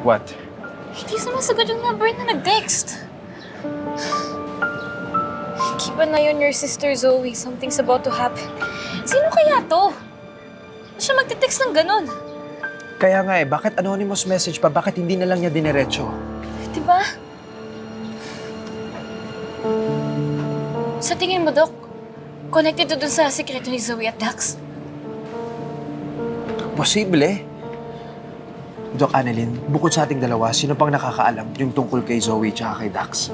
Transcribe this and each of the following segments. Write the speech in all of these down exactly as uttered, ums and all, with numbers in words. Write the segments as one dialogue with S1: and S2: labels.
S1: What?
S2: Hindi sumasagot yung number na nag-text. Keep an eye on your sister, Zoe. Something's about to happen. Sino kaya to? Ano siya magte-text ng ganun?
S1: Kaya nga eh, bakit anonymous message pa? Bakit hindi na lang niya dinerecho?
S2: Diba? Sa tingin mo, Doc, connected to dun sa sikreto ni Zoe at Dax?
S1: Posible. Doc Annalyn, bukod sa ating dalawa, sino pang nakakaalam yung tungkol kay Zoe tsaka kay Dax?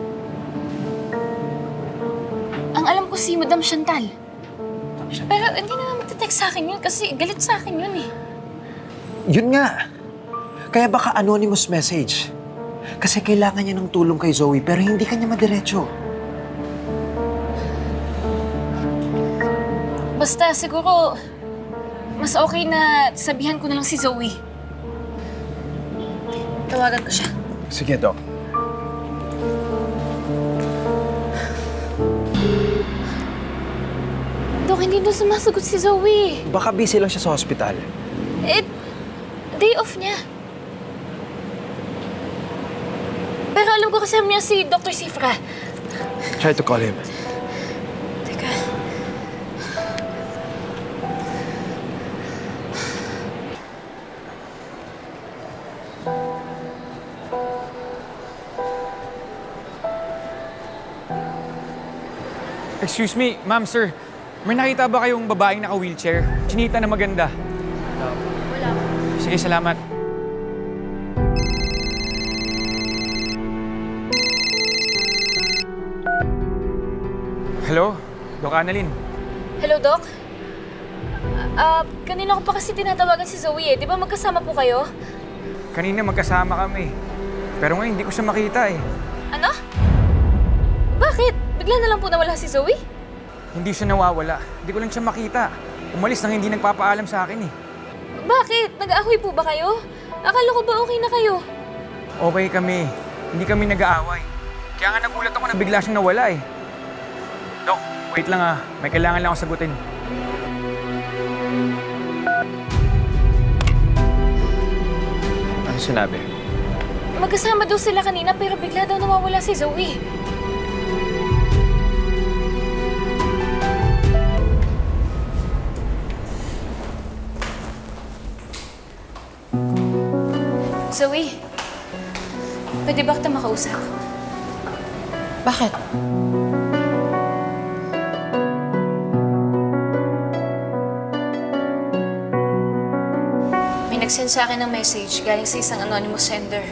S2: Ang alam ko si Madam Chantal. Pero hindi na magte-text sa akin yun kasi galit sa akin yun eh.
S1: Yun nga. Kaya baka anonymous message. Kasi kailangan niya ng tulong kay Zoe pero hindi kanya madiretso.
S2: Basta siguro, mas okay na sabihan ko na lang si Zoe. Tawagan ko siya.
S1: Sige, Doc.
S2: Dok, hindi na sumasagot si Zoe.
S1: Baka busy lang siya sa hospital.
S2: Eh, day off niya. Pero alam ko kasama niya si Doctor Sifra.
S1: Try to call him.
S2: Teka.
S3: Excuse me, ma'am, sir. May nakita ba kayong babaeng naka-wheelchair? Chinita na maganda.
S2: Wala.
S3: Sige, salamat. Hello? Doc Annalyn.
S2: Hello, Doc? Ah, kanina ko pa kasi tinatawagan si Zoe eh. Di ba magkasama po kayo?
S3: Kanina magkasama kami. Pero ngayon, hindi ko siya makita eh.
S2: Ano? Bakit? Bigla na lang po nawala si Zoe?
S3: Hindi siya nawawala. Hindi ko lang siya makita. Umalis nang hindi nagpapaalam sa akin eh.
S2: Bakit? Nag-aahoy po ba kayo? Akala ko ba okay na kayo?
S3: Okay kami. Hindi kami nag-aaway. Kaya nga nagulat ako na bigla siyang nawala eh. Dok, wait lang ah. May kailangan lang ako sagutin.
S1: Ano sinabi?
S2: Magkasama daw sila kanina pero bigla daw nawawala si Zoe. Zoe, pwede ba kita makausap?
S4: Bakit?
S2: May nag-send sa akin ng message galing sa isang anonymous sender.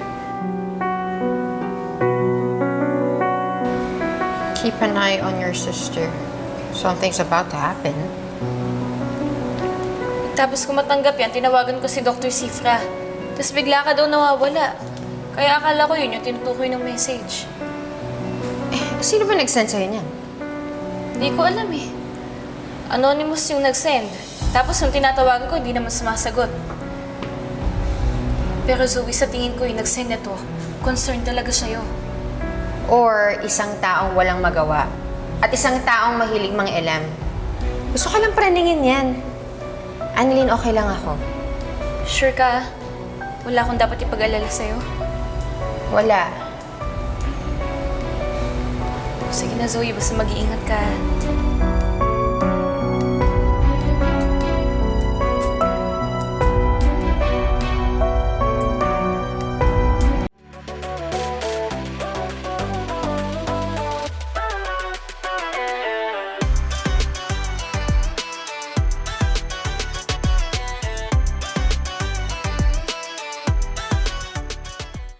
S4: Keep an eye on your sister. Something's about to happen.
S2: Tapos kung matanggap yan, tinawagan ko si Doctor Sifra. Tapos bigla ka daw nawawala. Kaya akala ko yun yung tinutukoy ng message.
S4: Eh, sino ba nag-send sa'yo niyan?
S2: Hindi ko alam eh. Anonymous yung nag-send. Tapos yung tinatawagan ko, hindi naman sumasagot. Pero Zoe, sa tingin ko yung nag-send nito, concerned talaga sa'yo.
S4: Or isang taong walang magawa at isang taong mahilig mang elam. Gusto ka lang praningin yan. Annalyn, okay lang ako.
S2: Sure ka? Wala akong dapat ipag-alala sa'yo?
S4: Wala.
S2: Sige na, Zoe. Basta mag-iingat ka.